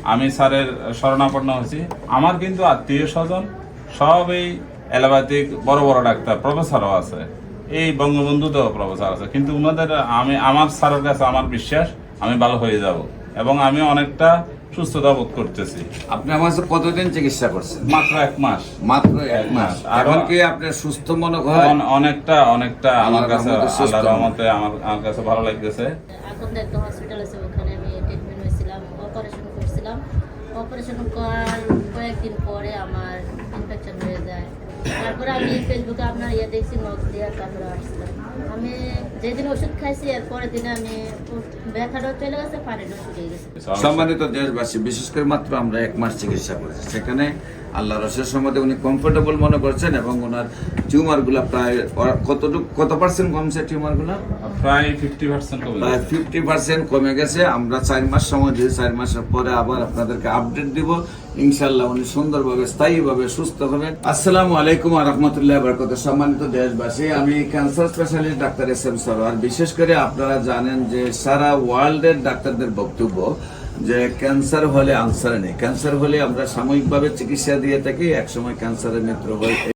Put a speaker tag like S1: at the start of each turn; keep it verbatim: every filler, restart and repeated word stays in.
S1: আমি স্যারের শরণাপন্ন হয়েছি। আমার কিন্তু আত্মীয় স্বজন সব এই অ্যালোপ্যাথিক বড় বড় ডাক্তার, প্রফেসরও আছে, এই বঙ্গবন্ধুতেও প্রফেসর আছে, কিন্তু ওনাদের আমি আমার স্যারের কাছে আমার বিশ্বাস আমি ভালো হয়ে যাব এবং আমি অনেকটা সুস্থতা বোধ করতেছি।
S2: আপনি আমার কাছে কতদিন চিকিৎসা করছেন?
S1: মাত্র এক মাস।
S2: মাত্র এক মাস।
S1: আর
S2: এখন কি আপনি সুস্থ মনে হয়?
S1: অনেকটা অনেকটা আমার কাছে আল্লাহর রহমতে আমার আমার কাছে ভালো লাগতেছে।
S3: এখন একটা হসপিটাল আছে, ওখানে আমি ট্রিটমেন্ট হয়েছিলাম, অপারেশন করছিলাম। অপারেশন করার কয়েকদিন পরে আমার ইনফেকশন হয়ে যায়। তারপরে আমি ফেসবুকে আপনার ইয়ে দেখছি, নখ দিয়ে, তারপরে আসছিলাম। আমি যেদিন ওষুধ খাইছি এর পরের দিনে আমি ব্যথাটা চলে গেছে, পানিটা শুকিয়ে গেছে।
S2: সম্মানিত দেশবাসী, বিশেষ করে মাত্র আমরা এক মাস চিকিৎসা করেছি, সেখানে আল্লাহ রসের সম্বন্ধে উনি কমফোর্টেবল মনে করছেন এবং ওনার টিউমার গুলা প্রায় কতটুকু কত পার্সেন্ট কমছে? টিউমার গুলা
S1: প্রায় ফিফটি পার্সেন্ট
S2: প্রায় ফিফটি পার্সেন্ট কমে গেছে। আমরা চার মাস সময় দিয়ে চার মাসের পরে আবার আপনাদেরকে আপডেট দিব। ইনশাল্লাহ উনি সুন্দরভাবে স্থায়ীভাবে সুস্থ হবেন। আসসালামু আলাইকুম ওয়া রাহমাতুল্লাহি ওয়া বারাকাতুহু। সম্মানিত দেশবাসী, আমি cancer specialist doctor S M Sarwar. বিশেষ করে আপনারা জানেন যে সারা ওয়ার্ল্ডের ডাক্তারদের বক্তব্য যে ক্যান্সার হলে আনসার নেই, ক্যান্সার হলে আমরা সাময়িকভাবে চিকিৎসা দিয়ে থাকি, একসময় ক্যান্সারের মৃত্যু হয়।